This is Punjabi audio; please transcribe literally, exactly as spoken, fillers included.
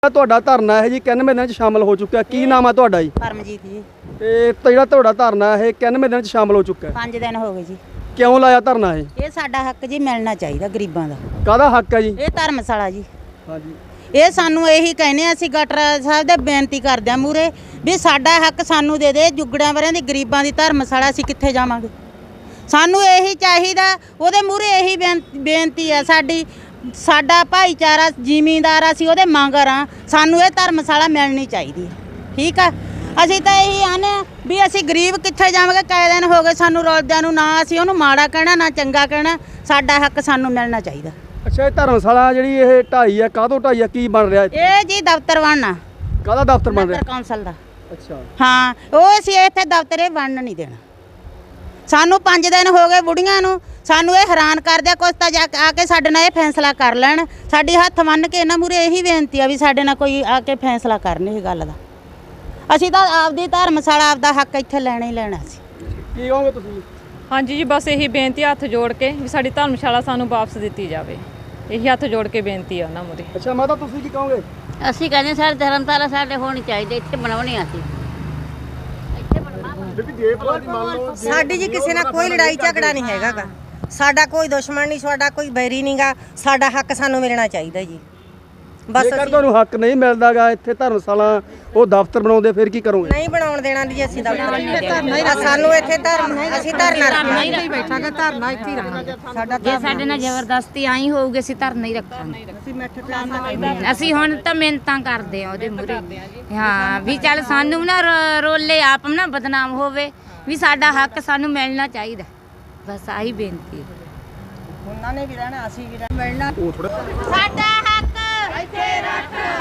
ਤੁਹਾਡਾ ਧਰਨਾ ਹੈ ਜੀ ਇਕਾਨਵੇਂ ਦਿਨਾਂ ਚ ਸ਼ਾਮਲ ਹੋ ਚੁੱਕਿਆ। ਕੀ ਨਾਮ ਹੈ ਤੁਹਾਡਾ ਜੀ? ਪਰਮਜੀਤ ਜੀ। ਤੇ ਜਿਹੜਾ ਤੁਹਾਡਾ ਧਰਨਾ ਹੈ ਇਕਾਨਵੇਂ ਦਿਨਾਂ ਚ ਸ਼ਾਮਲ ਹੋ ਚੁੱਕਾ ਹੈ। ਪੰਜ ਦਿਨ ਹੋ ਗਏ ਜੀ। ਕਿਉਂ ਲਾਇਆ ਧਰਨਾ ਇਹ? ਇਹ ਸਾਡਾ ਹੱਕ ਜੀ ਮਿਲਣਾ ਚਾਹੀਦਾ ਗਰੀਬਾਂ ਦਾ। ਕਾਹਦਾ ਹੱਕ ਹੈ ਜੀ? ਇਹ ਧਰਮਸ਼ਾਲਾ ਜੀ। ਹਾਂਜੀ, ਇਹ ਸਾਨੂੰ ਇਹੀ ਕਹਿੰਦੇ ਆ, ਅਸੀਂ ਗਟਰ ਸਾਹਿਬ ਦੇ ਬੇਨਤੀ ਕਰਦੇ ਆ ਮੂਰੇ ਵੀ ਸਾਡਾ ਹੱਕ ਸਾਨੂੰ ਦੇ ਦੇ। ਜੁਗੜਿਆਂ ਵਰਿਆਂ ਦੀ ਗਰੀਬਾਂ ਦੀ ਧਰਮਸ਼ਾਲਾ ਅਸੀਂ ਕਿੱਥੇ ਜਾਵਾਂਗੇ? ਸਾਨੂੰ ਇਹੀ ਚਾਹੀਦਾ। ਉਹਦੇ ਮੂਰੇ ਇਹੀ ਬੇਨਤੀ ਆ ਸਾਡੀ। ਸਾਡਾ ਭਾਈਚਾਰਾ ਜ਼ਿਮੀਂਦਾਰ ਅਸੀਂ ਉਹਦੇ ਮੰਗਰ ਆ। ਸਾਨੂੰ ਇਹ ਧਰਮਸ਼ਾਲਾ ਮਿਲਣੀ ਚਾਹੀਦੀ ਹੈ। ਠੀਕ ਆ, ਅਸੀਂ ਤਾਂ ਇਹੀ ਆਨੇ ਆ ਵੀ ਅਸੀਂ ਗਰੀਬ ਕਿੱਥੇ ਜਾਵਾਂਗੇ? ਕਈ ਦਿਨ ਹੋ ਗਏ ਸਾਨੂੰ ਰੋਲਦਿਆਂ ਨੂੰ। ਨਾ ਅਸੀਂ ਉਹਨੂੰ ਮਾੜਾ ਕਹਿਣਾ ਨਾ ਚੰਗਾ ਕਹਿਣਾ। ਸਾਡਾ ਹੱਕ ਸਾਨੂੰ ਮਿਲਣਾ ਚਾਹੀਦਾ। ਅੱਛਾ, ਇਹ ਧਰਮਸ਼ਾਲਾ ਜਿਹੜੀ ਇਹ ਢਾਈ ਹੈ ਕਾਹਦੋਂ ਢਾਈ ਹੈ? ਕੀ ਬਣ ਰਿਹਾ ਇੱਥੇ? ਇਹ ਜੀ ਦਫ਼ਤਰ ਬਣਨਾ। ਕਾਹਦਾ ਦਫ਼ਤਰ ਬਣ ਰਿਹਾ? ਨਗਰ ਕੌਂਸਲ ਦਾ। ਅੱਛਾ, ਹਾਂ, ਉਹ ਅਸੀਂ ਇੱਥੇ ਦਫ਼ਤਰ ਇਹ ਬਣਨ ਨਹੀਂ ਦੇਣਾ। ਸਾਨੂੰ ਪੰਜ ਦਿਨ ਹੋ ਗਏ ਬੁੜੀਆਂ ਨੂੰ। ਸਾਨੂੰ ਇਹ ਹੈਰਾਨ ਕਰਦੇ। ਕੁਛ ਤਾਂ ਜਾ ਆ ਕੇ ਸਾਡੇ ਨਾਲ ਇਹ ਫੈਸਲਾ ਕਰ ਲੈਣ। ਸਾਡੀ ਹੱਥ ਮੰਨ ਕੇ ਇਹਨਾਂ ਮੂਰੇ ਇਹੀ ਬੇਨਤੀ ਆ ਵੀ ਸਾਡੇ ਨਾਲ ਕੋਈ ਆ ਕੇ ਫੈਸਲਾ ਕਰਨ ਇਹ ਗੱਲ ਦਾ। ਅਸੀਂ ਤਾਂ ਆਪਦੀ ਧਰਮਸ਼ਾਲਾ ਆਪਦਾ ਹੱਕ ਇੱਥੇ ਲੈਣਾ ਹੀ ਲੈਣਾ ਸੀ। ਕੀ ਕਹੋਗੇ ਤੁਸੀਂ? ਹਾਂਜੀ ਜੀ, ਬਸ ਇਹੀ ਬੇਨਤੀ ਹੱਥ ਜੋੜ ਕੇ ਵੀ ਸਾਡੀ ਧਰਮਸ਼ਾਲਾ ਸਾਨੂੰ ਵਾਪਸ ਦਿੱਤੀ ਜਾਵੇ। ਇਹੀ ਹੱਥ ਜੋੜ ਕੇ ਬੇਨਤੀ ਆ ਉਹਨਾਂ ਮੂਰੇ। ਅੱਛਾ ਮਾਤਾ, ਤੁਸੀਂ ਕੀ ਕਹੋਗੇ? ਅਸੀਂ ਕਹਿੰਦੇ ਸਾਡੇ ਧਰਮਸ਼ਾਲਾ ਸਾਡੇ ਹੋਣੀ ਚਾਹੀਦੀ, ਇੱਥੇ ਬਣਾਉਣੀ ਆ ਅਸੀਂ। ਸਾਡੀ ਜੀ ਕਿਸੇ ਨਾਲ ਕੋਈ ਲੜਾਈ ਝਗੜਾ ਨਹੀਂ ਹੈਗਾ ਗਾ। ਸਾਡਾ ਕੋਈ ਦੁਸ਼ਮਣ ਨਹੀਂ, ਸਾਡਾ ਕੋਈ ਬੈਰੀ ਨਹੀਂਗਾ। ਸਾਡਾ ਹੱਕ ਸਾਨੂੰ ਮਿਲਣਾ ਚਾਹੀਦਾ ਜੀ। ਬਸ ਜੇਕਰ ਤੁਹਾਨੂੰ ਹੱਕ ਨਹੀਂ ਮਿਲਦਾਗਾ ਇੱਥੇ ਧਰਮਸ਼ਾਲਾ ਉਹ ਦਫ਼ਤਰ ਬਣਾਉਂਦੇ ਫਿਰ ਕੀ ਕਰੋਗੇ? ਨਹੀਂ ਬਣਾਉਣ ਦੇਣਾ ਜੀ ਅਸੀਂ ਦਫ਼ਤਰ। ਸਾਨੂੰ ਇੱਥੇ ਧਰਮ ਅਸੀਂ ਧਰਨਾ ਰੱਖਾਂਗੇ। ਬੈਠਾਂਗੇ ਧਰਨਾ ਇੱਥੇ ਹੀ ਰੱਖਾਂਗੇ। ਸਾਡਾ ਜੇ ਸਾਡੇ ਨਾਲ ਜ਼ਬਰਦਸਤੀ ਆਈ ਹੋਊਗੀ ਅਸੀਂ ਧਰਨਾ ਹੀ ਰੱਖਾਂਗੇ। ਅਸੀਂ ਹੁਣ ਤਾਂ ਮਿਹਨਤਾਂ ਕਰਦੇ ਆ ਉਹਦੇ ਮੂਰੇ। ਹਾਂ ਵੀ ਚੱਲ ਸਾਨੂੰ ਨਾ ਰੋ- ਰੋਲੇ ਆਪ ਨਾ ਬਦਨਾਮ ਹੋਵੇ ਵੀ ਸਾਡਾ ਹੱਕ ਸਾਨੂੰ ਮਿਲਣਾ ਚਾਹੀਦਾ। ਬਸ ਆਹੀ ਬੇਨਤੀ ਹੈ। ਉਹਨਾਂ ਨੇ ਵੀ ਰਹਿਣਾ, ਅਸੀਂ ਵੀ ਰਹਿਣਾ। ਸਾਡਾ ਹੱਕ ਇੱਥੇ ਰੱਖ।